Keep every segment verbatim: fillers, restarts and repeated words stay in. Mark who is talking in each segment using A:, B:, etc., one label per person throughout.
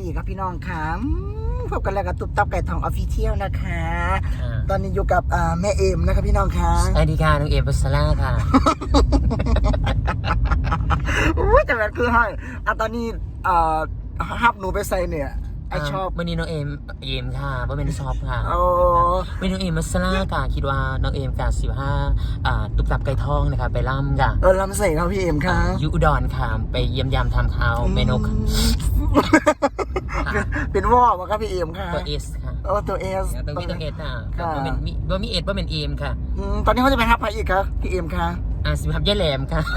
A: อีกครับพี่น้องค่ะพบกันแล้วกับตุ๊บตับไก่ทองออฟฟิเชียลนะคะตอนนี้อยู่กับแม่เอ็มนะครับพี่น้องค่ะ
B: สวัสดีค่ะน้องเอ็มปัสลาค่ะ
A: อุ้ยแต่แบบคือให้อ่ะตอนนี้ฮับหนูไปใส่เนี่ยไอชอบ
B: วันนี้น้องเอ็มเอ็มค่ะว่าเป็นชอบค่ะ
A: โอ้
B: เป็นน้องเอ็มปัสลาค่ะคิดว่าน้องเอ็มกับสิบห้าตุ๊บตับไก่ทองนะคะไปล่ำค่ะ
A: เออล่ำใส่ครับพี่เอ็มค่ะ
B: ยูอุดรค่ะไปเยี่ยมยามทำข่าวเมนู
A: เป็นวอวะครับพี่เอ็มค่ะ
B: ตัวเอสค่ะ
A: โอ้ตัวเอส
B: ตัวมีตัวเอสอ่ะว่าเป็นมีว่ามีเอสว่าเป็นเอ็มค่ะ
A: ตอนนี้เขาจะไปฮับใครอีกครับพี่เอ็มค่ะ
B: อ่าสิบฮับย่าแหลมค่ะ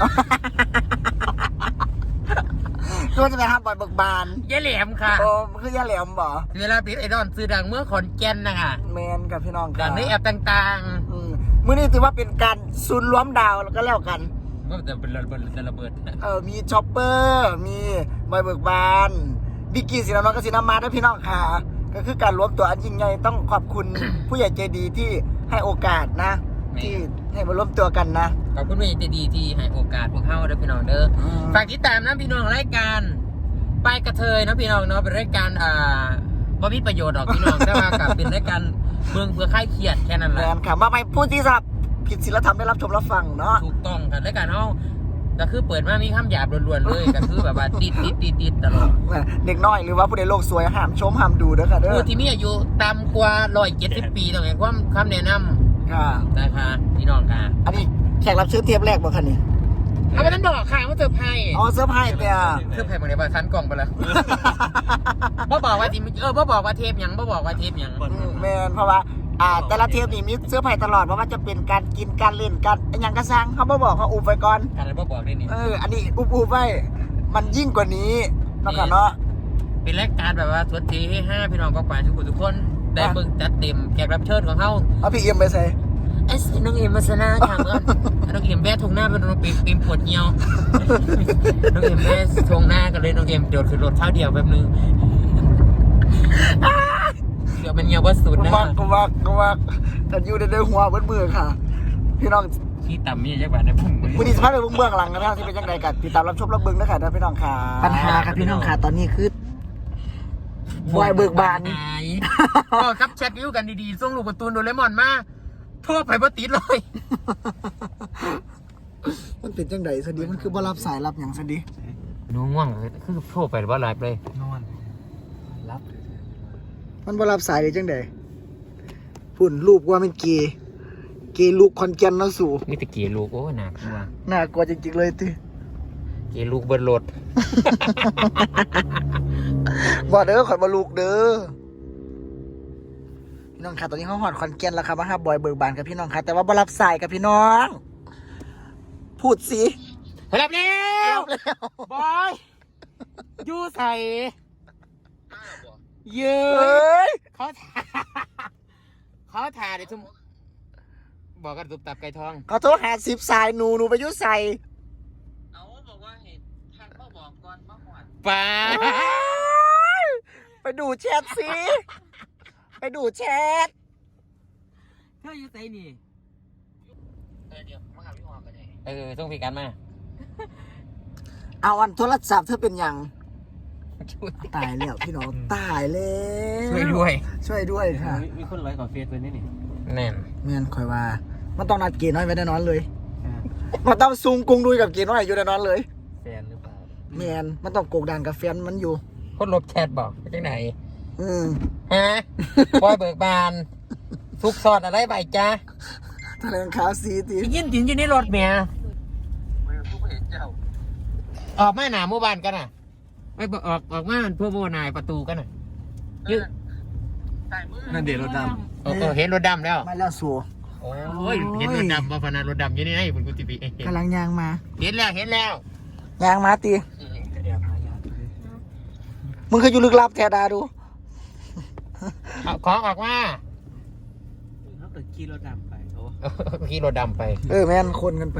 A: ก็จะไปฮับบอยเบิกบาน
B: ย่าแหลมค่ะ
A: โอ้คือย่าแหลมบ่
B: เวลาปิดไอดอนซื้อดังเมื่อขอนแก่นนะคะ
A: แมนกับพี่น้อง
B: ดังในแอปต่าง
A: ๆมื้อนี้ถือว่าเป็นการซุนรวมดาวแล้วก็แล้วกัน
B: ก็จะเป็นระเบิดจะระเบิด
A: เออมีช็อปเปอร์มีบอยเบิกบานบิกกี้สีน้ำมันกับสีน้ำมาด้วยพี่น้องค่ะก็คือการรวมตัวอันยิ่งใหญ่ต้องขอบคุณผู้ใหญ่ใจดีที่ให้โอกาสนะที่ให้มารวมตัวกันนะ
B: ขอบคุณผู้ใหญ่ใจดีที่ให้โอกาสพวกเขาด้วยพี่น้องเด้อฝากติดตามนะพี่น้องรายการไปกระเทยนะพี่น้องเนาะเป็นรายการอ่าบ่มีประโยชน์หรอกพี่น้องแต่ว่ากับเป็นรายการเมืองเพื่อคลายเครียดแค่นั้นแหละ
A: ค่ะมาไปพูดที่สับผิดศีลธรรมได้รับชมรับฟังเนาะ
B: ถูกต้องค่ะรายการเขาก็คือเปิดมามีคำหยาบล้วนๆเลยก็คือแบบว่าติดติดติดติดตลอด
A: เด็กน้อยหรือว่าผู้ใดโลกสวยห้ามชมห้ามดูเด้อค่ะเด้อ
B: ผู้ที่มีอายุต่ำกว่าร้อยเจ็ดสิบปีต้องให้ความคำแนะนำ
A: ค่ะ
B: นะคะพี่น้องค่ะ
A: อันนี้แขกรับเชิญเทปแรกบ่คะนี่
B: เอาไปนั้นบอกค่ะว่าเซอร์ไพรส์
A: อ๋อเซอร์ไพรส์เนี่ย
B: เซอร์ไพรส์บางเดี๋ยวไปทันกล่องไปแล้วบ่บอกว่าทีเออบ่บอกว่าเทปยังบ่บอกว่าเทปยัง
A: แม่นเพราะว่าอ่าแต่ละเทปนี่มีเสื้อผ้าตลอดเพราะว่าจะเป็นการกินการเล่นการอย่างกระซังเขาบ่บอกเขาอุบไว้ก่อน
B: การบ่บอกได้นี่
A: เอออันนี้อุบอุบไว้มันยิ่งกว่านี้เนาะกันเนาะ
B: เป็นรายการแบบว่าสวัสดีให้ห้าพี่น้องก็ไปทุกคนทุกคนได้เบิ่งจัดเต็มแขกรับเชิญของเขา
A: เอาพี่เอ็มไปใส่
B: ไอ้น้องเอ็มมาซะนะค่ะเมื่อน้องเอ็มแบะทงหน้าเป็นน้องเอ็มเอ็มปวดเหี่ยวน้องเอ็มแบะทงหน้ากันเลยน้องเอ็มโดดขึ้นรถเท้าเดียวแป๊บนึงเดี๋ยวมันเหี่ยวว่าสุดนะ
A: ก็ว่าก็ว่าก็ว่าแต่อยู่ในหัวเบิ้ลมือค่ะพี่น้อง
B: ที่ต่ำมีจังหวะในพุ่ง
A: วันนี้สภาพในเบื้องหลังนะครับที่เป็นยังไงกันติดตามรับชมรับเบิ้งนะคะนะพี่น้องค่ะปัญหาครับพี่น้องค่ะตอนนี้คือบอยเบิกบาน
B: ก็ครับแชทวิวกันดีๆส่งลูกการ์ตูนโดเรมอนมาทั่วไปบ่ติดเลย
A: มันเป็นจังไดสดีมันคือบ่รับสายรับอย่างสดี
B: น้องง่วงคือโทรไปบ่รับเลย
A: นอนรับมันบ่รับสายเลยจังไดพุ่นรูปว่าเป็นเกย์เกย์ลูกคอนแกนเนาะสู่
B: มีแต่เกย์ลูกโอ้น่ากลัว
A: น่ากลัวจริงๆเลยติ
B: เกย์ลูกเบิดรถ
A: บ่เด้อข่อยบ่ลูกเด้อพี่น้องค่ะตอนนี้เขาหอดคอนแกนแล้วครับว่าฮับบอยเบิกบานกับพี่น้องค่ะแต่ว่าบ่รับสายกับพี่น้องพูดสิ
B: รับแล้วบอยยูใส่เยอะเขาเขาถ่ายเดี๋ยวทุ่มบอกกันตุบตับไก่ทอง
A: เขาโทรหาสิบสายหนูหนูไปยุใส่
B: เอาบอกว่าเห็นทางเขาบอกก่อนมาหวานป้า
A: ไปดูแชทสิไปดูแชท
B: เธออยู่ไหนนี่เออเดี๋ยวมาหาพี่หอมกันเลยเออส่งพี่กันมา
A: เอาวันโทรศัพท์เธอเป็นยังตายแล้วพี่น้องตายแล้ว
B: ช่วยด้วย
A: ช่วยด้วยค่ะ
B: มีคนไลค์ขอเฟซไว้นี่นี่แน่น
A: แม่นคอยว่ามันต้องนัดเกน้อยไว้แน่นอนเลยมันต้องซุงกุงดุยกับเกน้อยอยู่แน่นอนเลย
B: แฟนหรือเปล่า
A: แม่นมันต้องโกกดันกับแฟนมันอยู่
B: คนลบแชทบอกไปที่ไหน
A: อืม
B: ฮะบอยเบิกบานทุกซอดอะไรไปจ้า
A: แถลงข่าวซีที
B: ยินยินอยู่ในรถเมียออกมาหนาหมู่บ้านกันน่ะไม่ออกออกมาเพื่อโบนายประตูกันน่ะยืด
A: นั่นเดี๋ยวรถดำ
B: โอ้เห็นรถดำแล้ว
A: มาแล้วสัว
B: โอ้ยเห็นรถดำมาพนันรถดำอยู่นี่ไงคุณกุฏิปี
A: กำลังยางมา
B: เห็นแล้วเห็นแล้ว
A: ยางมาตีมึงเคยอยู่ลึกลับแทดาดู
B: เอาของออกมา
C: เขาเกิดขี่รถดำไปโอ้
B: ขี่รถดำไป
A: เออแม่นคนกันไป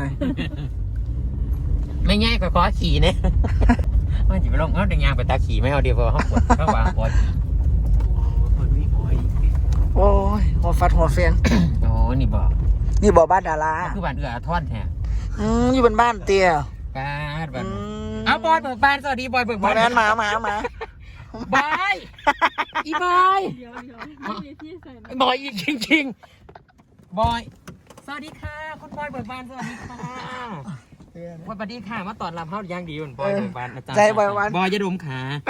B: ไม่ง่ายกว่าขอขี่เนี่ยมันจะไปลงเอาแต่ยางไปตาขี่ไม่เอาเดียวพอเขาปวดเขาวางปวด
C: คนนี้หอย
A: โอ้ยหัวฟัดหัวเฟียง
B: โอ้นี่บอก
A: นี่บอกบ้านดารา
B: คือบ้านเอือท่อนแท้
A: อืมอยู่บนบ้านเตี้ย
B: บ้านบ้านเอาบอยเบิกบานสวัสดีบอยเบิกบาน
A: มาแน่นมามามา
B: บายอีบอย
D: เดี๋ยวเดี๋ยวไม่มีที่ใส่นะ
B: บอยอีกจริงๆบอยสวัสดีค่ะคุณบอยเบิกบานสวัสดีค่ะสวัสดีค่ะมาตอนรับเฮาอย่างดีคุณบอยเบิกบานอาจารย์
A: ใจบอยวัน
B: บอยจะดมขา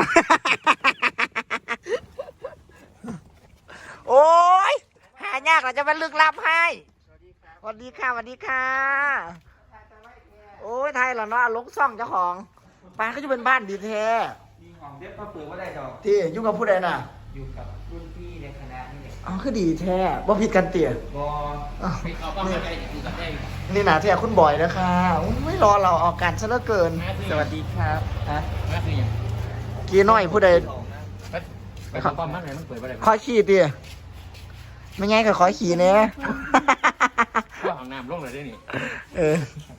A: โอ้ยหายากเราจะเป็นลึกลับให้สวัสดีค่ะสวัสดีค่ะโอ้ยไทยเหรอเนาะลกซ่องเจ้าของป้าก็จะเป็นบ้านดีแท้
C: มีของเด็กก็เปิดว่าได้ดอก
A: ที่ยุ่งกับผู้ใดน่ะ
C: อยู่กับรุ่นพี่ในคณะนี่แหละ
A: อ๋อคือดีแท้ว่าผิดกันเตี่ย
C: บอ
A: อ้าว
B: ไปเอาป้ามาได้อยู่กับได้
A: นี่นะที่คุณบอยนะคะไม่รอเราออกการซะเหลือเกิน
C: สวัสดีครับฮะ
B: มาคืออย่าง
A: กีน้อยผู้ใด
B: ไปไปเอาป้ามาไหนมันเปิดไปได้
A: ขอขี่เตี่ยไม่ไงก็ขอขี่เนี้ย
B: ว่าเอาน้ำลงเลยได้นี่
A: เออ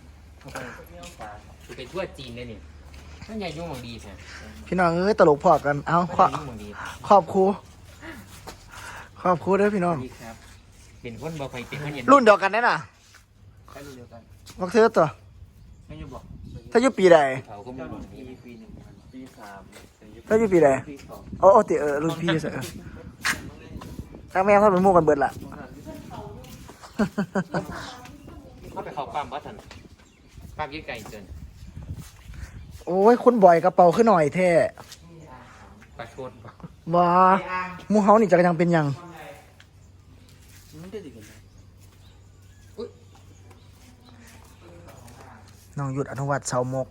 B: คือไปทั่วจีนได้นี่นั่นใหญ่ยุ่งมังดีใช่
A: พี่น้องเอ้ยตลกพอกันเอาขอ
B: ยุ่งมังดี
A: ขอบครูขอบครูด้วยพี่น้อง
B: ดีครับเป็นคนบ่ค่อยเป็นคนเย็น
A: รุ่นเดียวกันแน่น่ะ
C: ใช่รุ่นเดียวกัน
A: วักเธอตัว
C: ไม่อยู่บอก
A: ถ้าอยู่ปีใด
B: เขาก็มี
C: เจ้า
B: มั
C: รุ่
B: ง
C: น
B: ดี
C: พี่ปีหนึ่งปีสาม
A: ถ้าอยู่ปีใด
C: ปีสอง
A: โอ้โอ้ติเออรุ่นพี่เสอทั้งแม่เขาเป็นหมู่กันเบิดล่ะ
B: เขาไปเขาปั๊มวัดทันปั๊มยืดไก่เกิน
A: โอ้ยคุณบ่อยกระเป๋าขึ้นหน่อยแท้
B: ประชด
A: บ่หมู่เฮานี่จะยังเป็นหยัง
C: มันได้ดีกันไหม
A: น้องหยุดอนุวัตเสามก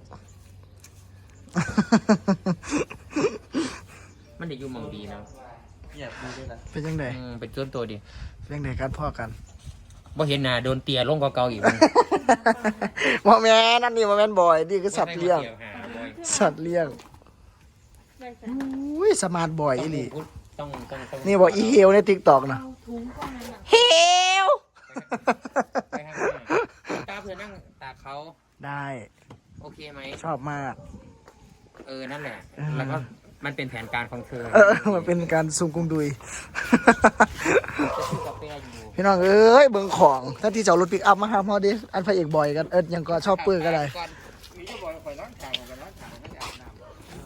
B: มันได้ยุ่งมังดีนะ
C: อยากดูด้วยนะ
A: เป็นยังไง
B: อืมเป็นต้นตัวดี
A: เป็นยังไงกันพ่อกัน
B: บ่เห็นหน้าโดนเตียลงกว่าเก่าอีก
A: บ่แม่นนั่นนี่บ่แม่นบ่อยนี่คือสัตว์เลี้ยง สัตว์เลี้ยง
D: ได้ใส่
A: อุ้ยสมาร์ทบ่อยอีหลี
B: ต้องต้องต้อง
A: นี่บอกอีเฮลใน TikTok นะ
D: เอาถุงก้อนนั้นอ่ะ
A: เฮล
B: ไปข้างหน้าตาเพื่อนนั่งตากเขา
A: ได้
B: โอเคไหม
A: ชอบมาก
B: เออนั่นแหละ
A: เออ
B: แล้วก็มันเป็นแผนการของเธอ
A: เออ มันเป็นการซุ่มกุมดุย
B: จะซื้อกาแฟอยู่
A: พี่น้องเอ้ยเบิ่งของถ้าที่จะเอารถปิกอัพมาหาพ่อดิอันพระเอกบ่อยกันเอิดยังก็ชอบปื้อก็ได้
B: ก่อนมีก็บอกไปล้างขางกันล้างขางไม่ได้อาบน้ำ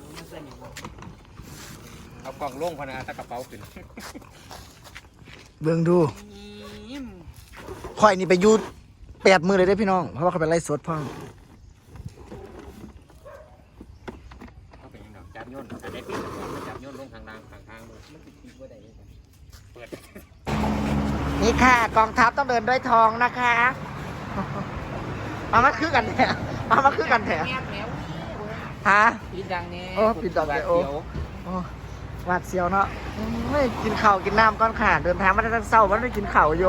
B: เอากล่องโล่งพนาตะกระเป๋าขึ้น
A: เบิ่งดูข่อยนี่ไปอยูแปดมือเลยได้อพี่น้อง เพราะว่าเขาไปไล่สดพ่อ
B: เขาเป็นยังไงจับย่นจะได้ปิดจับย่นลงทางล่างทางทางมันติดติดว่าได้เปิด
A: นี่ค่ะกองทัพต้องเดินด้วยทองนะคะมามาคือกันแถะมามาคือกันแถะฮะ
B: ปิดดังนี้
A: โอ้ปิดดังเลยโอ้ โอ้หวาดเสียวเนาะไม่กินข้าวกินน้ำก้อนขาดเดินทางมาได้ตั้งเศร้ามันไม่กินข้าวอยู่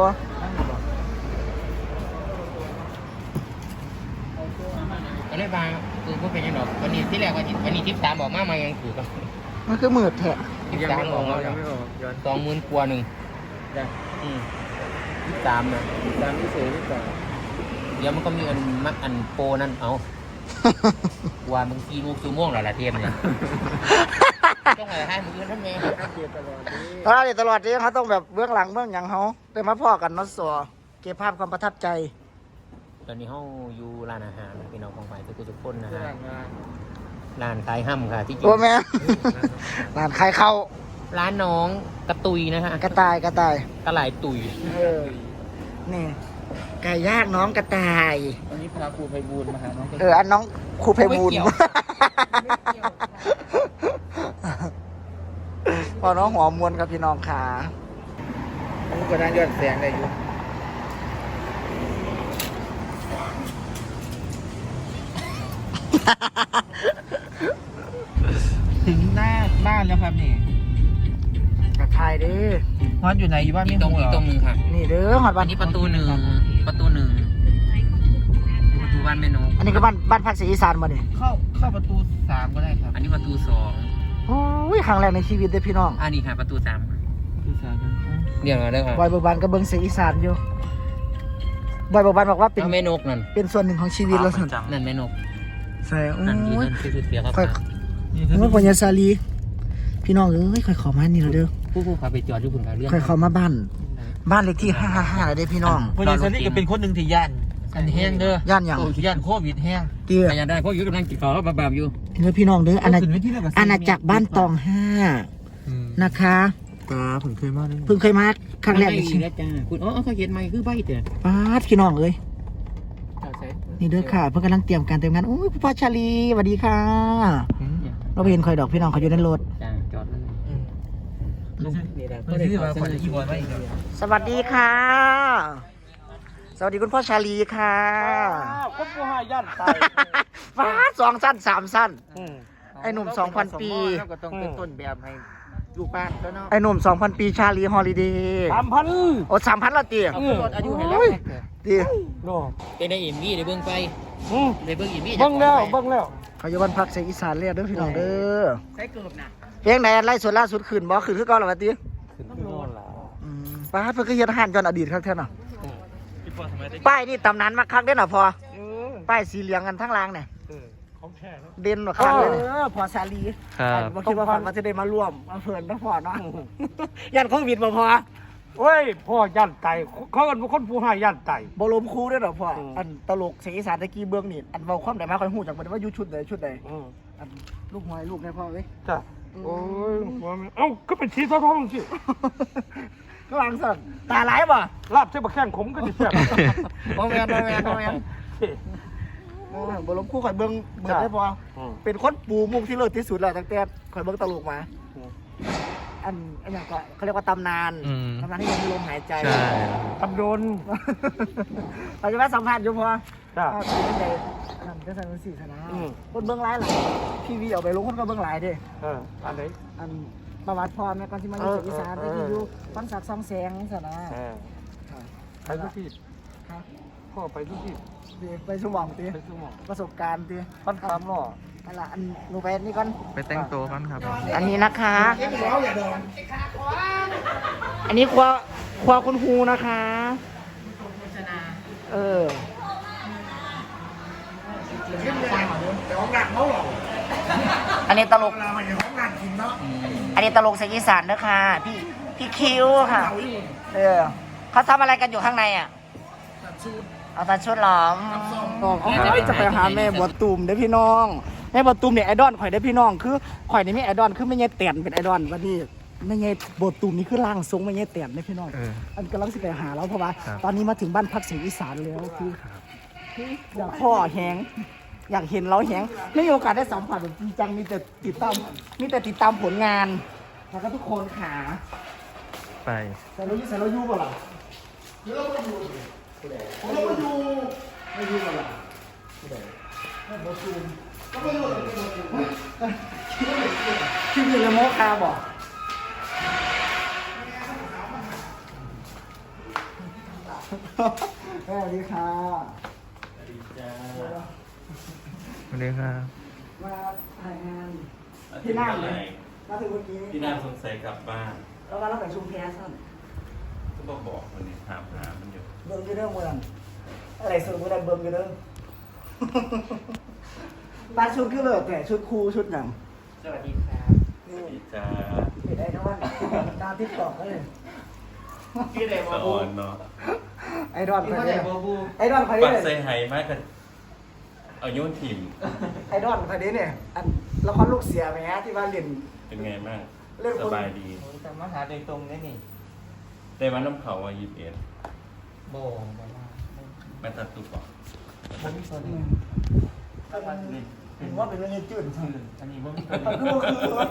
B: ก็เลยบางคือพวกเป็นยังไงวันนี้ที่แรกวันนี้วันนี้ทิปสามบอกมามายังถือกัน
A: มันคือมืดแท้
B: ทิปสามบอกมาสองหมื่นกว่าหนึ่งอืมทิปสามนะ
C: ตามที่เสือที่ต่อ
B: เดี๋ยวมันก็มีอันมักอันโปนั่นเอาว่ามึงกีลูกซูโม่งหรอละเทียมเนี่ยต้องอะไรให้มึงยืนนั่นเอง
C: เกียร์ตลอดนี้
A: เพราะเราตลอดนี้เขาต้องแบบเบื้องหลังเบื้องหยังเขาได้มาพ่อกันเนาะสัวเก็บภาพความประทับใจ
B: ตอนนี้เขาอยู่ร้านอาหารพี่น้องของฝ่ายทุกทุกคนนะ
C: เพื่อ
B: ฮะ
C: งาน
B: ร้านขายห้ำค่ะที่จริ
A: โอ้
B: ง
A: แม่ร้านขายข้าว
B: ร้านน้องกระตุยนะฮะ
A: กระต่ายกระต่าย
B: กระไหลตุย
A: เออนี่ไก่ย่างน้องกระต่าย
C: วันนี้พาครูไพบูลย์มาหาน้อง
A: เอออันน้องครูไพบูลย์พอน้องหัวมวนครับพี่น้องขา
C: ผมก็นั่งยอดแสงได้อยู่ ถึงหน้าบ้านแล้วครับนี่
A: กระต่ายเด้อ
C: ฮอนอยู่ไหนอยู่บ้าน
B: อี
C: ไม่
B: กตรง
C: รู้
B: อี
C: เห
B: ก
C: ร
B: ตรงหนึ่งค่ะ
A: นี่เด้อหอดบ้า
B: อั
A: น
B: นนี้ประตูหนึ่งประตูหนึ่งประตูบ้านแม่นก
A: อันนี้ก็บ้านบ้านพักศรีอีสานมาเนี่ย
C: เข้าเข้าประตูสามก็ได้ครับ
B: อันนี้ประตูสอง
A: โอ้ยครั้งแรกในชีวิตเด้อพี่น้อง
B: อันนี้ค่ะประตูสาม
C: ประตูสาม
B: เดี๋ยวมาเด้อค่ะ
A: บอยเบิกบานก็เบิ่งเสียงอีสานอยู่บอยเบิกบานบอกว่าเป็น
B: เอาแม่นกนั่น
A: เป็นส่วนหนึ่งของชีวิตแล้วสิ
B: นั่นแม่นก
A: ใช่โอ้
B: นั่นที่
A: ย
B: นั่นคือเสียครับ
A: ค่อยเมื่อปัญญาซาลีพี่น้องเอ้ยค่อยเขอมานี่แล้วเด้อ
B: ผู้ผู้ขับไปจอดอยู่คุณค่ะเรื่อง
A: ค่อยเขอมาบ้าน บ้านเลขที่ห้าห้าห้าแล้วเด้อพี่น้อง
C: พอดีซันนี่ก็เป็นคนหนึ่งที่ย่านอันแห้งเด้อย่
A: านหยัง
C: โอ้ย่านโควิดแห้ง
A: เตี้ย
B: ไปยังได้เพราะอยู่กำลังกินข้าวแล้วบาบๆอยู่
A: เด้อพี่น้องเด้ออาณา
C: ขึ้นเวทีแล้วก็
A: อาณาจักรบ้านตองห้านะคะ
C: ตาผมเคยมาด้วย
A: เพิ่งเคยมาครั้งแรกใน
B: ใน
A: ชี
B: ชี
A: วิ
B: วิ
A: ต
B: ตจ้าคุณอ๋อเขาเขียนใหม่คือใบเด้อ
A: ป้าดพี่น้องเอ้ย
B: เอาใส่
A: นี่เด้อค่ะ เพิ่งกำลังเตรียมการเตรียมงานโอ้ยพ่อชาลีสวัสดีค่ะ เราไปเห็นคอยดอกพี่น้องเขาอยู่ในรถ
B: จ้าจอดเลยลุงนี่แหละ
C: เพื่อนที่ว่าคนอีบอลไม่
A: สวัสดีค่ะ สวัสดีคุณพ่อชาลีค่ะ
C: คนผู้หาย่านไป
A: ฟ้าสองสั้นสามสั้น ไอ้หนุ่มสองพันปี
B: ก็ต้องเป็นต้นแบบให้ลูกบ้านแล้วเนาะ
A: ไอ้หนุ่มสองพันปีชาลีฮอลิเดย์
C: สามพัน
A: โอ้สามพันละตี
B: เอาลดอายุให้แล้ว
A: ตี
C: โน่
B: เป็นได้อินวี่ได้เบิ่งไปได้เบิ่งอินวี่
C: เบิ้งแล้วเบิ้งแล้ว
A: เขาอยู่บ้านพักเสียงอีสานเรียกเด้อพี่น้องเด้อ
B: ใส่เกือบนะ
A: เพลงไหนไล่ส่วนล่าสุดขึ้นบ่ขึ้นคือเก่าหรอวะตี
C: ขึ้นขึ้นโน่นแล้ว
A: อืมป้าดเพิ่นก็เฮ็ดอาหารจนอดีตครับแท้น่ะป้ายนี่ตำนานมากคักเด้อน่ะพอ
C: เออ
A: ป้ายสีเหลืองกันทั้งรางเนี่ย
C: เออของแท้แล้ว
A: เด่นกว่าคักเลยเนี่ย
C: เออพอชาลี
A: ครับบ่คิดว่าฝันว่าจะได้มาร่วมมาเพิ่นนะพ่อเนาะ ยันโควิดบ่พอ
C: โอ้ยพ่อย่านไตเขาเป็นคนผู้หาย่านไต
A: บ่ล้มครูเด้อดอกพ่อ
C: อืม
A: อันตลกเสียงอีสานตะกี้เบื้องนี่อันเว้าความได้มาค่อยฮู้จักบ่ได้ว่าอยู่ชุดใดชุดใด
C: อืม
A: อันลูกหอยลูกในพ่อเอ้ย
C: จ้ะโอ้ยหัวมันเอ้าก็เป็นชีสท้องสิ
A: ก็วางสั่นตาหลายบ่
C: ลาบเส้นบะแข้งขมก็จะแซ่บ
A: บ่แม่นบ่แม่นบ่แม่นเออบ่ล้มครูข่อยเบิ่งเบิดได้พอ
C: อืม
A: เป็นคนปูมุกที่เลิศที่สุดแล้วตั้งแต่ข่อยเบิ่งตลกมา
C: อืม
A: อันอันอย่างก็เขาเรียกว่าตำนาน
B: อืม
A: ตำนานที่ยังมีลมหายใจ
C: ตำโดน
A: เราจะมาสัมภาษณ์อยู่พอ
C: จ้ะ
A: อ่าคือเป็นไงนั่นก็ใส่เป็นสี่ชนะ
C: อืม
A: คนเบื้องหลายหลายทีวีเอาไปลงคนก็เบื้องหลายเด้
C: เอออันไหน
A: อันประวัติพรแม่ก่อนที่มาอยู่
C: เออ
A: เสียงอีสาน
C: เอ
A: ที่
C: อ
A: อยู่ฟันสักซองแสงชนะ
C: เออไปทุกที่
A: ครับ
C: พ่อไปทุกที่
A: ดีไปสมองตี
C: ไปสมอง
A: ประสบการณ์ตี
C: ปั้นคำหล่อ
A: นั่นละอันหนูไปนี่ก่อน
B: ไปแต่งตัวกันครับ
A: อันนี้นะคะ อันนี้ครัวครัวคุณครูนะคะ เอออันนี้ตลก อันนี้ตลกเสียงอีสานนะคะพี่พี่คิวค่ะ เออเขาทำอะไรกันอยู่ข้างในอ่ะเอาตัดชุดหรอน้องจะไปหาแม่บัวตูมเด้อพี่น้องแม่บัวตูมเนี่ยไอดอลข่อยได้อพี่น้องคือข่อยนี่มีไอดอลคือไม่ใช่เตียนเป็นไอดอลวันนี้ไม่ใช่บัวตูมนี่คือร่างทรงไม่ใช่เตียนได้อพี่น้องอันกำลังสิไปหาแล้วเพราะว่าตอนนี้มาถึงบ้านพักเสียงอีสานแล้วคืออยากพ่อแหงอยากเห็นเราแหงไม่มีโอกาสได้สัมผัสแบบจริงจังมีแต่ติดตามมีแต่ติดตามผลงานแล้วก็ทุกคนขา
B: ไป
A: แต่เราอยู่แต่เราอยู่เปล่าล่ะหรือเราไม่อยู่เราไม่อยู่ไม่อยู่เปล่าล่ะไม่บอซูมก็ไม่รู้เลยไม่บอซูมคิดอยู่ในโมคาบอกสวัสดีค่ะ
B: สวัสดีครับ
A: มาถ่ายงานที่นั่งเลยมาถึงเมื่อกี้
E: พี่น่าสงสัยกลับบ้าน
A: แล้วมาเราไปชุมแพสั้น
E: ก็บอกบอกคนนี้ถามหามันอยู่
A: เบิ่งอยู่เรื่องเมืองอะไรสุดเมื่อไรเบิ่งอยู่เรื่องบ้านชุดคือเลิศแต่ชุดครูชุดหนัง
B: สวัสดีครับ
A: นี่
E: พี่จ้า
A: เป็นไอ้นอนดาวติ๊กตอกเลย
B: พี่เด
E: สอนเนาะ
A: ไอ้ดอน
B: พี่
A: ใคร
B: เด
A: เนี่ย
B: บบู
A: ไอ้ดอนใคร
E: ปัก
A: เนี่ย
E: ใส่ไหมากกันเอาโยนถิ่ม
A: ไอ้ดอนใครเนี่ยอันละครลูกเสียไหมฮะที่ว่าเล่น
E: เป็นไงบ้าง
A: เรื่อง
E: ส
A: คน
E: บายดี
B: ผมจะมาหาโดยตรงนี่นี่
E: ได้วันน้ำเขาว่ายี่สิบเอ็ด
B: โบมา
E: มาตัดตุกก่อน
B: ผมมีตัวนี้
E: นี่
A: เห็นว่าเป็นเรื่องจืดใช่ไหม
B: อันนี้ผมมี
A: คือคือ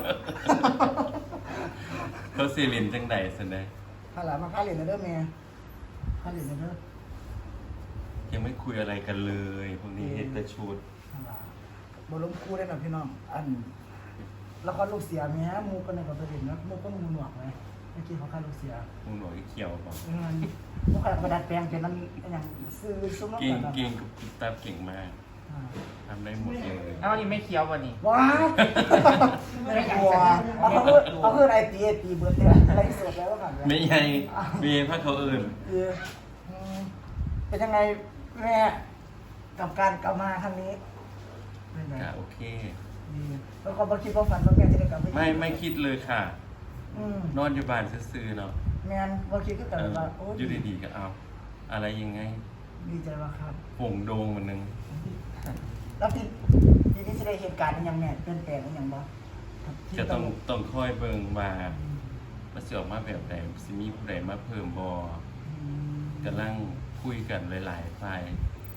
E: เขาซีลินจังใดสันได้
A: ข้าหลานมาข้าเหรียญนะเด้อเมียข้าเหรียญนะเด้อ
E: ยังไม่คุยอะไรกันเลยพวกนี้เห็นแต่ชุด
A: บอลล้มคู่ได้หน่อยพี่น้องอันละครลูกเสียไหมฮะมูกันในกับประเด็นนะมูก็มูหนวกไหมเมื่อกี้เขาฆ่าลูกเสีย
E: มึงหน่อยเขียวบอก
A: เงินมูขนาดประดัดแปลงเป็นนั้นอย่างซื้อซุ้มน้ำ
E: เก่ง
A: ตาล
E: เก่งกับกิ๊บตับเก่งมากทำได้หมดเลย
B: เอ้านี่ไม่เคี้ยววันนี้
A: ว้าวไม่กลัวเขาเพื่อเขาเพื่อไอตีไอตีเบิร์ดเนี่ยอะไรสดแล้วกัน
E: ไม่ใหญ่มีพระเขาอื่น
A: คือเป็นยังไงแม่กับการกลับมาครั้งนี้เป็นไง
E: ก็โอเค
A: ดีแล้วก็มาคิดว่าฝันว่าแม่จะได้กลับไป
E: ไม่ไม่คิดเลยค่ะ
A: อืม
E: นอนอยู่บ้านซื่อๆเนาะ
A: แมนว่าคิดก็แต่
E: เออ
A: ว่าโอ้
E: อยู่ดีๆก็เอา อะไรยังไง
A: ดีใจว่าครับ
E: ผงโดงมันนึง
A: แล้วพี่ทีนี้จะได้เหตุการณ์ยังไงเปลี่ยนแปลงยังบ่
E: จะต้องต้องคอยเบิ่งว่ามันสิออกมาแบบใดสิมีผู้ใดมาเพิ่มบ่กำลังคุยกันหลายๆฝ่าย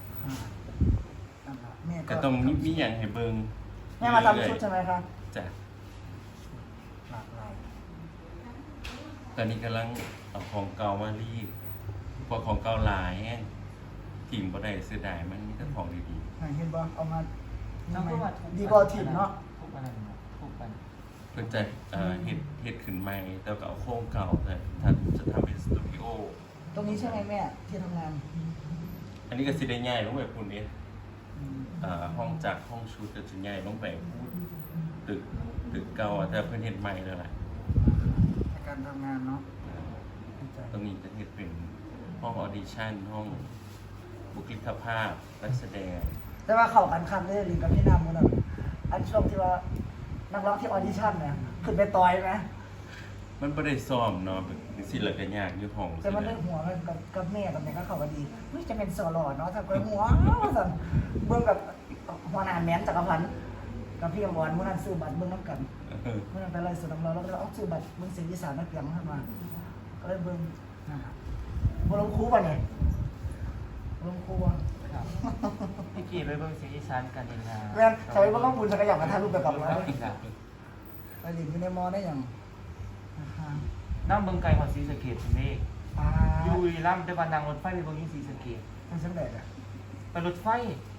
E: ก็ต้องมีมีหยังให้เบิ่ง
A: แม่มาทำชุดใช่ไหมครับ
E: จ้ะ
A: หลากหลาย
E: ตอนนี้กำลังเอาของเก่ามารีดพวกของเก่าหลายแฮงทีมบ่ได้เสียดายมันมีแต่ของดี
A: เห็นบ่เอามา
B: น้องก็ว่าทุก
A: ดีบอทีมเนาะ
B: ทุกอันนั้นทุกอัน
E: ๆเพิ่นจะเอ่อเฮ็ดเฮ็ดขึ้นใหม่แต่ก็เอาโครงเก่าแต่ถ้าจะทำเป็นสตูดิโอ
A: ตรงนี้ใช่ไหมแม่ที่ทำงาน
E: อันนี้ก็สิได้ง่ายลงไปพุ่นนี้เอ่อห้องจากห้องชุดก็จะง่ายลงไปพูดตึกตึกเก่าอะแต่เพิ่นเฮ็ดใหม่แล้วล่ะ
A: การทำงานเนาะ
E: ตรงนี้จะเฮ็ดเป็นห้องออดิชั่นห้องบุคลิกภาพนักแสดง
A: แต่ว่าเข้ากันคันเลยลิงกับพี่น้ำมันอ่ะอันช่วงที่ว่านักร้องที่ออดิชั่นเนี่ยขึ้นไปต่อยไหม
E: มันบ่ได้ซ้อมเนาะสิละก็ยากอยู่ห้อง
A: แต่มันได้หัวกันกับกับแม่กับแม่ก็เข้ากันดีเฮ้ยจะเป็นสอหล่อเนาะถ้าเกิดหัวสั่นเบิ่งกับหัวหน้าแม้นจักรพันธ์กับพี่อมรมื้อนั้นซื้อบัตรเบิ่งน้ำกัน
E: เออ
A: เมื่อนั้นไปไล่สุดน้ำเราแล้วก็เลยเอาซื้อบัตรเบิ่งเสียงอีสานนักเสียงขึ้นมาก็เลยเบิ่งนะฮะบ่ลงครูป่ะเนี่ยบ่ลงครูอ่ะ
B: พี่กี่ไปเบิ่งเสียงอีสานกันเองนะ
A: แม่นใช้บ่ต้องบุญสักอย่างมาถ่ายรูปไปกับเรา
B: อีกแล้ว
A: ไปเรียนอยู่ในมอได้ยังนะคะ
B: น้ำเบิ่งไกลกว่าศรีสะเกษใช่ไหม
A: อ่า
B: อยู่บุรีรัมย์แต่ว่านั่งรถไฟไปเบิ่งที่ศรีสะเกษ
A: มันสำเร็จอ่ะ
B: ไปรถไฟ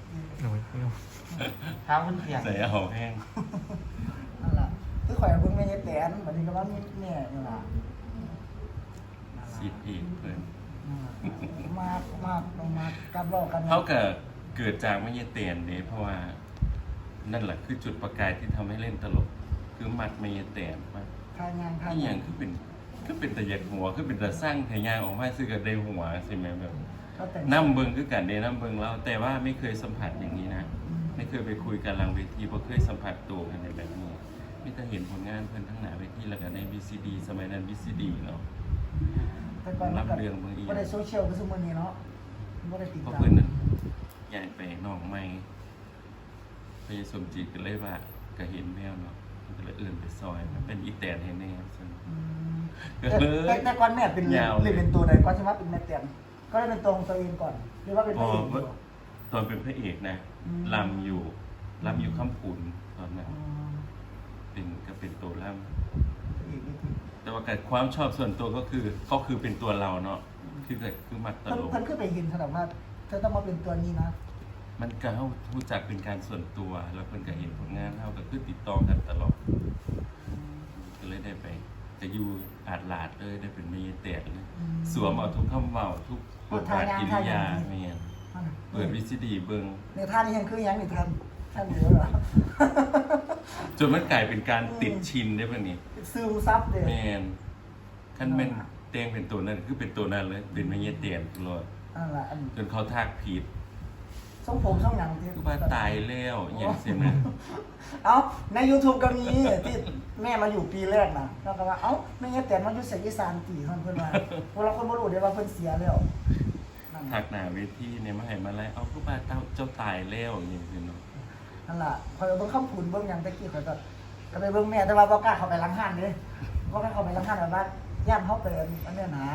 B: ทางคนเสียง
E: ใส่เอาแห้ง
A: นั่นล่ะคือข่อยเบิ่งแม่ยายแตนบัดนี้ก็ว่ามีแม่นี่ล่ะ
E: สิบอีกเพิ่น
A: มากมากลงมาการบอกกัน
E: เขาก็เกิดจากไม่ยเตียนเด้เพราะว่านั่นแหละคือจุดประกายที่ทำให้เล่นตลก คือมัดไม่ยเตียนว่า
A: ทางงานทาง
E: ที่อย่างคือเป็นคือเป็นตะเยกหัวคือเป็นตะสร้างทายางออกมาซื้อกับได้หัวใช่ไหมแบบ
A: เขาแต่ง
E: น้ำเบิงคือกันเดน้ำเบิงแล้วแต่ว่าไม่เคยสัมผัสอย่างนี้นะไม่เคยไปคุยกันหลังเวทีเพราะเคยสัมผัสตัวกันในแบบนี้ไม่แต่เห็นผลงานเพื่อนทั้งหนาเวทีแล้วก็ใน บี ซี ดี สมัยนั้น บี ซี ดี เนาะ
A: แต่ก่อน
E: รับเรื่องบางที
A: บ่ได้โซเชียลคือซุมื้อนี้เนาะบ่ได้ติด
E: เพราะ
A: ตาม
E: เพื่อนนั้นย้ายไปนอกไม่ไปสมจิตกันเลยว่าก็เห็นแมวเนาะมันก็เลยเอื่นไปซอยมันเป็นอีแตนให้แน่ซึ่ง
A: อืม
E: ก็
A: แต่
E: เลย
A: แต่แต่ก่อนแม่เป็น
E: ยาว
A: เล่นเป็นตัวใดก่อนสิว่าเป็นแม่แตนก็เลยเป็นตัวของตัวเองก่อนหรือว่าเป็น
E: พ
A: พ
E: อ
A: ระเอกอยู่
E: ตอนเป็นพระเอกนะ
A: อืม
E: ลำอยู่ลำอยู่ข้ามขุนตอนนั้น
A: อืม
E: เป็นก็เป็นตัวลำ
A: พระเอกนี่คือ
E: แต่ว่าการความชอบส่วนตัวก็คือก็คือเป็นตัวเราเนาะคือเกิดคือมักต
A: เพิ่น
E: ลก
A: เพิ่นคือไปเห็นขนาดว่าเธอต้องมาเป็นตัวนี้นะ
E: มันก็เขารู้จักเป็นการส่วนตัว แล้วเพิ่นก็เห็นผลงานเขาก็คือติดต่อกันตลอดก็เลยได้ไปจะอยู่อาดลาดเลยได้เป็นเมียแตกเลยสวมเอาทุกคำเว้าทุกบทบาทกิริยาเมียนเปิดวิซีดีเบิง
A: ในท่านี้ยังคือยังนี่ท่านท่านเดียวเหรอ
E: จนมันกลายเป็นการติดชินได้ป่ะนี่
A: ซึมซับเด้
E: แมนขั้นเป็นเตียงเป็นตัวนั้นคือเป็นตัวนั้นเลยเป็นเมียเตียนตลอด
A: นั่นล่ะอัน
E: จนเขาทักผิด
A: ทรงผมทรงหยังที่
E: คือว่าตายแล้วอย่างเสียนะ
A: เอ้าใน YouTube ก็มีที่แม่มาอยู่ปีแรกนะแล้วก็ว่าเอ้าแม่เงี้ยแต่มาอยู่เสียงอีสานตีเพิ่นเพิ่นว่าพวกเราคนบ่รู้เด้ว่าเพิ่นเสียแล้วนั่น
E: ทักหนาเวทีเนี่ยมาให้มาไล่เอาคือว่าเจ้าเจ้าตายแล้วอย่างเงี้ยเนาะ
A: นั่นล่ะคอยเบิ่งคำพูนเบิ่งหยังตะกี้ข่อยก็ก็ไปเบิ่งแม่แต่ว่าบ่กล้าเข้าไปหลังห้านเด้บ่กล้าเข้าไปหลังห้านแบบว่าย่านเฮาไปอันเนี้ยนะ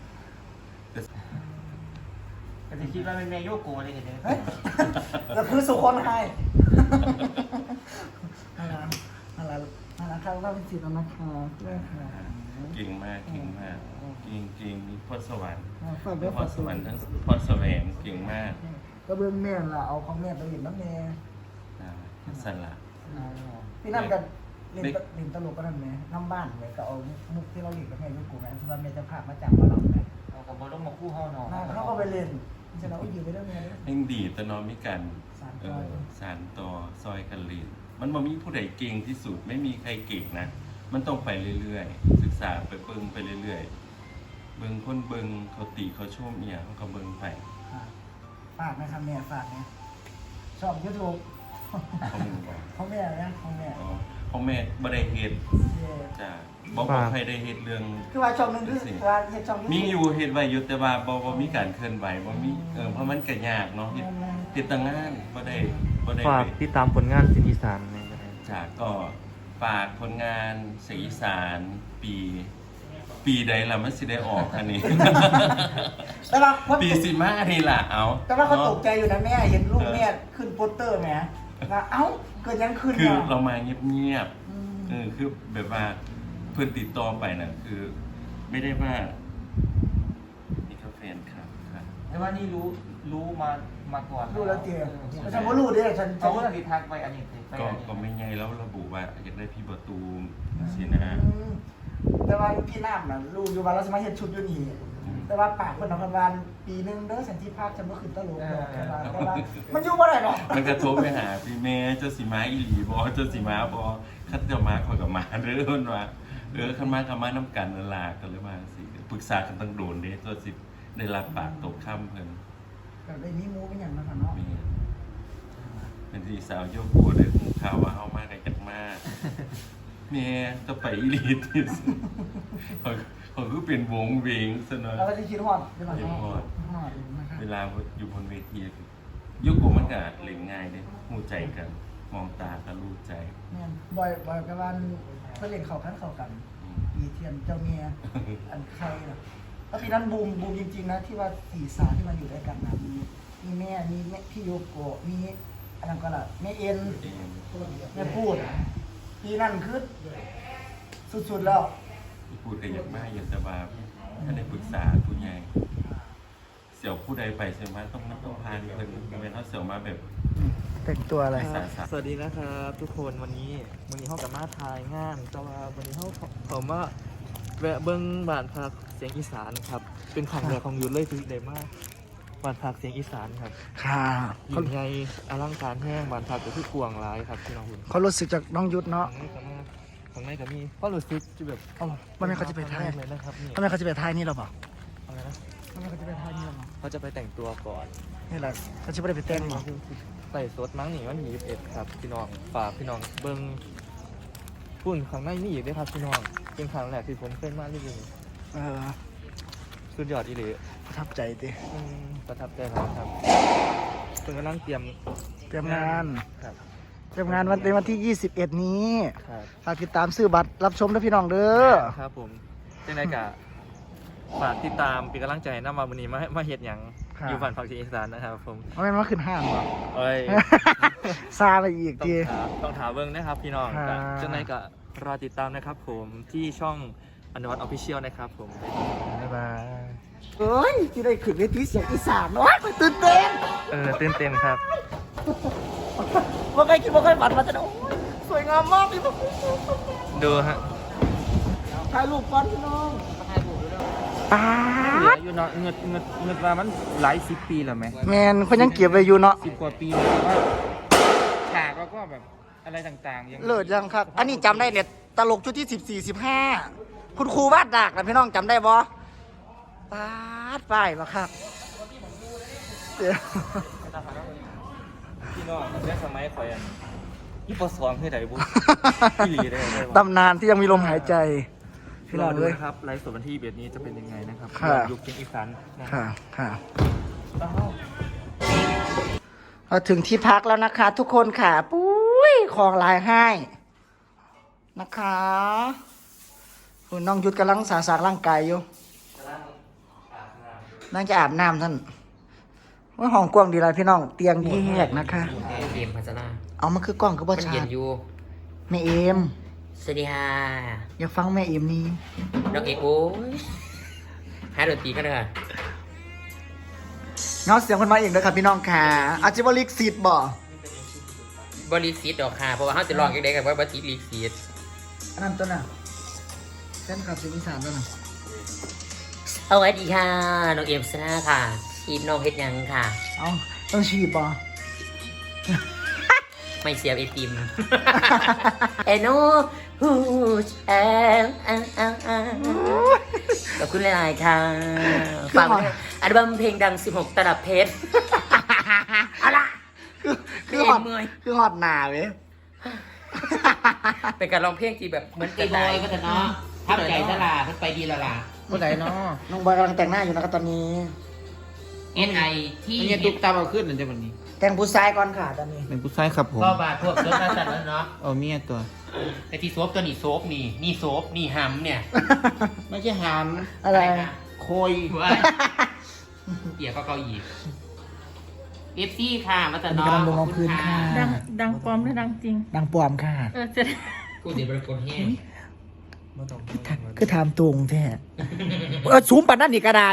B: ก็จะคิดว่าเป็นแม่โยโกะเลยเห็นไหม
A: เฮ้ยแล้วคือสุคนให้นั่นล่ะนั่นล่ะนั่นล่ะครับว่าเป็นสิทธิ์แล้วนะคะเรื่องค่ะ
E: เก่งมากเก่งมากเก่งเก่งมีพรสวรรค์
A: ฝากด้วย
E: พ
A: ฝาร ก
E: ส
A: ด้
E: ว
A: ว
E: ร
A: ย
E: รค์ทั้งพรแสวงเก่งมาก
A: ก็เบิ่งแม่ล่ะเอาของแม่ไปเล่นน้ำแม่
E: อ่าสละ
A: พี่นั่นกันเล่นเล่นตลกก็นั่นแม่น้ำบ้านเลยก็เอามุกที่เราเล่นกับแม่ยุกูแม่ที่ว่าแม่จะพามาจากมาเราแม่
B: เอากับบอลลงมาคู่เฮาหนอ
A: เขาก็ไปเล่นฉะนั้นก็อยู่ไปเรื่องแม่เลย
E: ยังดีแต่นอนมีกัน
A: สาน
E: เอ
A: ต่อ
E: อสารต่อซอยกันเรียนมันบ่มีผู้ใดเก่งที่สุดไม่มีใครเก่งนะมันต้องไปเรื่อยๆศึกษาไปเบิ่งไปเรื่อยๆเบิ่งคนเบิ่งเขาติเขาชมเอียเขาก็เบิ่งไป
A: ฝากนะครับแม่ฝากเนี่ยชอบยูทูบ
E: เขามึงบอก
A: ของแม่นะของแม่
E: อ๋อพ่อแม่บ่ได้เฮ็ดจ้ะบ่บ่ใครได้เฮ็ดเรื่อง
A: คือว่าช่องนึงคือว่าเฮ็ดช่อง
E: มีอยู่เฮ็ดไว้อยู่แต่ว่าบ่บ่มีการเคลื่อนไหวบ่มีเออเพราะมันก็ยากเนาะเฮ็ดเฮ็ดแตั้งงานบ่ได้ก็ได้
F: ฝาก
E: ไป
F: ติดตามผลงานเสียงอีสานในก็ได้
E: จากก็ฝากผลงานเสียงอีสานปี ปีใดละมันสิได้ออกอันนี้
A: แต่ว่าคน
E: ปีสิมาอันนี้ล่ะเอา
A: แต่ว่าเขาตกใจ
E: เนาะ
A: อยู่นะแม่เห็นลูกแม่ขึ้นโปสเตอร์แหมว่าเอ้าเกิดยังขึ้น
E: คือ
A: อ่ะ
E: เรามาเงียบ
A: อืม
E: ๆเออคือแบบว่าเพื่อนติดต่อไปน่ะคือ ไม่ได้ว่านี่ก็แฟนครับค่ะ
F: แต่ว่านี่รู้รู้มามาก่อน
A: รู้แล้วเจียแต่ฉันก็รู้ดิฉัน
F: เขาก็ติดทักไปอันนี้ไป
E: ก็
F: อันนี้
E: ก็ไม่ไงแล้วระบุว่าอยากได้พี่ประตูมสินะ
A: อืมแต่ว่าพี่น้ำน่ะรู้อยู่ว่าเราสามารถเห็นชุดอยู่นี่แต่ว่าปากคนนครบาลปีหนึงเด้อสันติภาพฉันก็ขึ้นตลกดอกแต่ว่าแต่ว่ามันอยู่บ่ได้หรอก
E: มันกระทบไปหาพี่เมย์เจ้าสีม้าอีหลีบอเจ้าสีม้าบอคัดเจ้าม้าคอยกับม้าเรื่อนว่าเออขันม้ากับม้าน้ำกันนั่นลากันเลยมาสิปรึกษากันตั้งโดนเด้ตัวสิได้รับปากตกค่ำเพิ่น
A: แต่ได้มีหมูเป็นอย่างนั้นค่ะเนาะ
E: มีเป็นสีสาวโยกกูเลยหูข่าวว่าเอามากกันจักมากเมย์จะไปอีหลีที่สุดเขาเขาคือเป็นวงเวงซะหน่อย
A: เราก็จะคิดฮอดใช่ไหม
E: คิดฮอด
A: ฮอดนะครับ
E: เวลาอยู่บนเวทียุคกูมันก็เล่นง่ายเลยหูใจกัน มองตากันรู้ใจ
A: แม่นบ่อยบ่อยกับวันเพื่อนเล่นเข้ากันเข้ากัน
E: อืม
A: ปีเทียนเจ้าเมียอันใครน่ะแล้วปีนั้นบูมบูมจริงๆนะที่ว่าสี่สาวที่มันอยู่ด้วยกันนะมีมีแม่มีแม่พี่โยโกะมีอันนั้นก็ล่ะแม่เอ็น
E: เอง
A: แม่พูดปีนั้นคือสุดๆแล้ว
E: พูดกันอย่างมากอย่างสบายถ้าได้ปรึกษาผู้ใหญ่เสี่ยวผู้ใดไปใช่ไหมต้องนักต้องพานเพิ่นเป็นเขาเสี่ยวมาแบบ
A: แต่งตัวอะไร
E: สาสา
F: สวัสดีนะครับทุกคนวันนี้วันนี้เขากับมาทายงานแต่ว่าวันนี้เขาผมว่าแวะเบิ้งบ้านพักเสียงอีสานครับ เป็นครั้งแรกของยุทธเลยที่ได้มากบ้านพักเสียงอีสานครับ
A: ค่ะ
F: ยิ่งใหญ่อลังการแห้งบ้านพักก็คือกวางหลายครับพี่น้องคุณ
A: เขารู้สึกจากน้องยุทธเนาะ
F: ข้างในก็มีข้างในก็มีเพราะรู้สึกจะแบบ
A: เอ้าวันนี้เขาจะไปถ่าย
F: เลยนะครับนี่
A: ทำไมเขาจะไปถ่ายนี่หรอเปล่า
F: อะไรนะ
A: ทำไมเขาจะไปถ่ายนี่หรอเปล่า
F: เขาจะไปแต่งตัวก่อน
A: นี่แหละเขาจะไม่ได้ไปเต้นหรอ
F: ใส่สดมั้งนี่วันที่ยี่สิบเอ็ดครับพี่น้องฝากพี่น้องเบิ้งพุ่นข้างในมีอีกด้วยครับพี่น้องเป็นครั้งแรกที่ผมเคยมาที่นี่
A: เออ
F: สุดยอดอีหลี
A: ประทับใจดิ
F: อืมประทับใจมากครับเพิ่งกำลังเตรียม
A: เตรียมงาน
F: ครับ
A: เตรียมงานวันเป็นวันที่ยี่สิบเอ็ดนี้
F: ครับ
A: ฝากติดตามซื้อบัตรรับชมด้วยพี่น้องเด้อ
F: ครับผมเจ้าไหนกะฝากติดตามเป็นกำลังใจให้น้ำมาวันนี้มามาเฮ็ดหยังอยู่บ้านพักที่อีสานนะครับผม
A: เอาไม่มาขึ้นห้างหรอ
F: เอ้ย
A: ซาไปอีก
F: ต้อง
A: ที
F: ถามต้องถามเบิ้งนะครับพี่น้อง
A: ครับ
F: เจ้าไหนกะรอติดตามนะครับผมที่ช่องอนุวัฒน์ออฟฟิเชียลนะครับผม
A: บ๊ายบายเอ้ยที่ได้ขึ้นเวทีเสียงอีสานโอ้ยตื่นเต้น
F: เออตื่นเต้นครับ
A: ว่าเคยคิดว่าเคยฝันมาจะโอ้ยสวยงามมากพี่พวก
F: ดูฮะ
A: ถ่ายรูปก่อนพี่น้องป้า
F: เหลือ
A: ด
F: อยู่เนาะเงินเงินเงินมามันหลายสิบปีแล้วไหม
A: แมนคนยังเก็บไว้อยู่เนาะ
F: สิบกว่าปีแล้วแต่ว่าฉากแล้วก็แบบอะไรต่างๆยัง
A: เลิศยังครับ อันนี้จำได้เนี่ยตลกชุดที่สิบสี่สิบห้าคุณครูวาดดากนะพี่น้องจำได้บ่ป้าดป้ายบ่ครับเดี๋ยว
F: พี่น้องเรื่องสมัยข่อยอันยี่ปอสองคือไหนบุพี่หลีได้ไหม
A: ตำนานที่ยังมีลมหายใจพี่
F: ร
A: น้
F: อ
A: อง
F: ดู
A: ด้วย
F: นะครับไลฟ์สดวันที่เบียดนี้จะเป็นยังไงนะครับ
A: ค่ะ
F: ยุคเสียงอีสานนะ
A: ค่ะค่ะ
F: อ้าว
A: เราถึงที่พักแล้วนะคะ ทุกคนค่ะ ปุ้ยของลายให้นะคะคุณน้องยุทธกำลังสาสางร่างกายอยู่นั่งจะอาบน้ำท่านว่าห้องกว้างดีไรพี่น้องเตียงแยกนะคะ
B: เอ็มพัฒนา
A: เอามันคือกล้องก็บ่
B: มัน
A: ชั
B: เย็
A: ด
B: นอยู่
A: แม่เอ็ม
B: สวัสดีค่ะ
A: อย่าฟังแม่เอ็มนี้
B: น้องเอกโอ้ยหาดนตรีกันเลยค่ะ
A: เงาเสียงคนมาเองเลยค่ะพี่น้องค่ะอาจจะว่าลิกซีดบ่
B: บริสิทธิ์ดอกค่ะเพราะว่าเขาจะลองยังไงกับว่าบริสิทธิ์ลีกซีด
A: อันนั้นตัวน่ะแฟนคลับเสียงอีสานตัวน่ะ
B: สวัสดีค่ะน้องเอ็มสนาค่ะชีดน้องเฮ็ดหยังค่ะ
A: เอาต้องฉีดบ่
B: ไม่เสียบไอติม เอโน่ฮูชเอลอ่าอ่าอ่าขอบคุณหลายๆค่ะฝากไว้ด้วยอัลบั้มเพลงดัง สิบหก ตลับเพชร เอาล่ะ
A: คือคือ
B: ไม่
A: ฮอด
B: เมื่อย
A: คือฮอดหนาเว้ย
B: เป็นการร้องเพลงที่แบบเหมือน
G: ไอ้บอยก็จะเนาะทับใจสลาเพิ่นไปดีและล่ะ
F: คนไหนเนาะ
A: น้องบอยกำลังแต่งหน้าอยู่นะครับตอนนี้
G: เอ็นไอที่
F: อันนี้ตุ๊กตาเอาขึ้นนั่นจะวันนี้
A: แแต่งผู้ชายก่อนค่ะตอนนี้
H: เป็นผู้ชายครับผม
G: ก็บาทพวกรถมาจัดแล้วเนาะ
H: เอาเมียตัว
G: แต่ที่โซฟตัวนี้โซฟนี่นี่โซฟนี่หำเนี่ย
H: ไม่ใช่หาม
A: อะไร
G: นะ
H: โคย
G: ว้าเกี่ยวก็เกาหลีเอฟซีค่ะมาจั
A: อั
G: ด
A: นนี้
G: เนาะ
A: กำลังลง
G: ขอบ
A: เอา
G: คุ
A: คื
G: ณ
A: น
G: ค่ะ
A: ค่ะ
D: ดังดังปลอมหรือดังจริง
A: ดังปลอมค่ะ
D: เออจะได้
G: กูจะเป็นคนแห้ง
A: คือถามตรงแท้เออสูงปันนั่นนี่กระได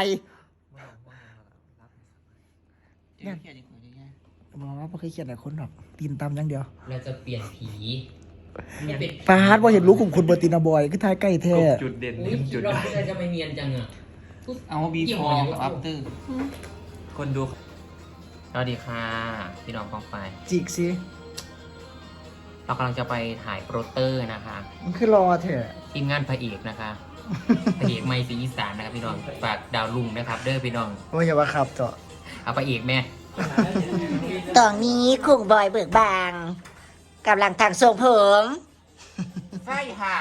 A: บอกว่าไม่เคยเขียนอะไรคนหรอกตีนตำอย่างเดียว
G: เราจะเปลี่ยนผีเนี่ยเป็น
A: ปาดว่าเห็นรู้ของคุณเบอร์ตินาบอยคือทายใกล้แท้
H: จุดเด่น
G: อุ้ย
H: จุด
G: เราไม่ได้จะไม่เนียนจังอ่ะ
H: เอาบีฟอร์กับอัปเตอร์คนดู
B: สวัสดีค่ะพี่น้องกองไฟ
A: จิกสิ
B: เรากำลังจะไปถ่ายโปรเตอร์นะคะ
A: มันคือรอเถอะ
B: ทีมงานพระเอกนะคะ พระเอกไม่สีอีสานนะครับพี่น้องฝากดาวลุงนะครับ เด้อพี่น้อง
A: ว่าอย่าว่าขับต่อ
B: เอาพระเอกแม่
A: ตอนนี้คุงบอยเบิกบางกำลังทางทรงผม
B: ใช่ค่ะ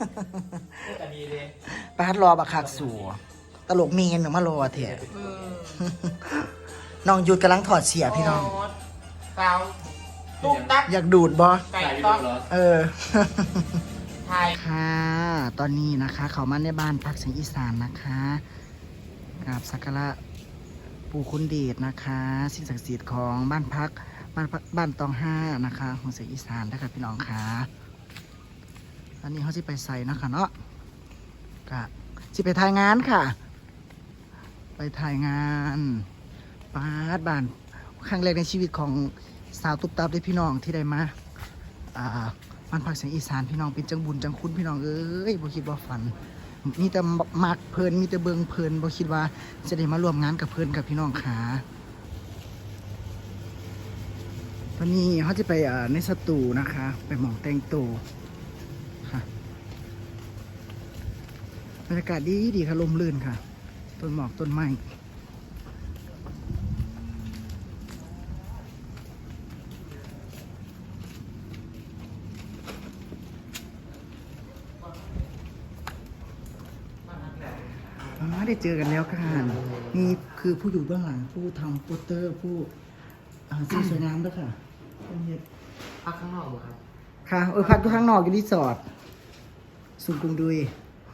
A: ปาดรอบักคักสู่ตลกมีเงินหนึ่งมารอเถอะน้องหยุดกำลังถอดเสียพี่น้อง
B: สาวตุ๊กตัก
A: อยากดูดบอ
B: ไก่ต๊อก
A: เออ
B: ไทย
A: ค่ะ ตอนนี้นะคะ เขามาในบ้านพักเสียงอีสานนะคะกราบสักการะปู่คุณเดชนะคะสิ่งศักดิ์สิทธิ์ของบ้านพักบ้านพักบ้านตองห้านะคะของเสียงอีสานนะครับพี่น้องค่ะตอนนี้เขาจะไปใส่นะคะเนาะก็จะไปถ่ายงานค่ะ ไปถ่ายงานปาดบ้านครั้งแรกในชีวิตของสาวตุ๊บตับได้พี่น้องที่ได้มาอ่าบ้านพักเสียงอีสานพี่น้องเป็นจังบุญจังคุณพี่น้องเอ้ยบ่คิดว่าฝัน มีแต่มักเพลินมีแต่เบิงเพลินบ่คิดว่าจะได้มาร่วมงานกับเพลินกับพี่น้องขาตอนนี้เขาจะไปอ่าในสตูนะคะ ไปหมองแต่งตัวค่ะบรรยากาศดีดีค่ะลมลื่นค่ะ ต้นหมอกต้นไม้อ๋อได้เจอกันแล้วค่ะนี่คือผู้อยู่เบื้องหลังผู้ทำโปสเตอร์ผู้อ่าสีสวยงามด้วยค่ะเป็นเฮ็ด
B: พักข้างนอกบ่ครับ
A: ค่ะเออพักอยู่ข้างนอกอยู่รีสอร์ทสุกุงดุย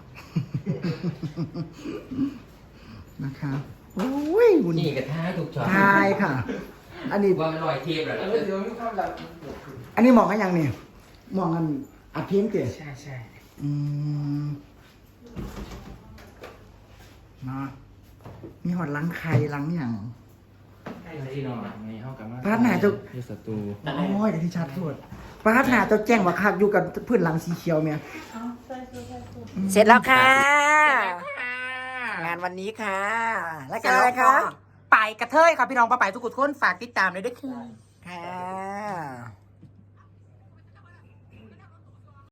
A: นะคะโอ้ยหุ่น
B: นี่กระท้าถูกช็อต
A: ทายค่ะ อันนี้
B: ว่ามันลอยเทปแล้ว
A: อันนี้มองกันยังเนี่ยมองกันอัดเพียงเตะ
B: ใช่ใช่
A: อืมเนาะมีหอดหลังไข่หลังอย่าง
F: ที่นอนไงเข้ากับมา
A: พาดหนาจะ
F: ที่ศัตรู
A: โอ้ยเดี๋ยวที่ชัดโทษพาดหนาจะแจ้งว่าคักอยู่กับพื้นหลังสีเขียวเมีย
D: เอาใส่สูทใส่สูท
A: เสร็จแล้วค่ะ งานวันนี้ค่ะ แล้วกันอะไรคะ
B: ไปกระเทยครับพี่น้องป้าไปทุกคนฝากติดตามเลยด้วยค่ะ
A: ค่ะ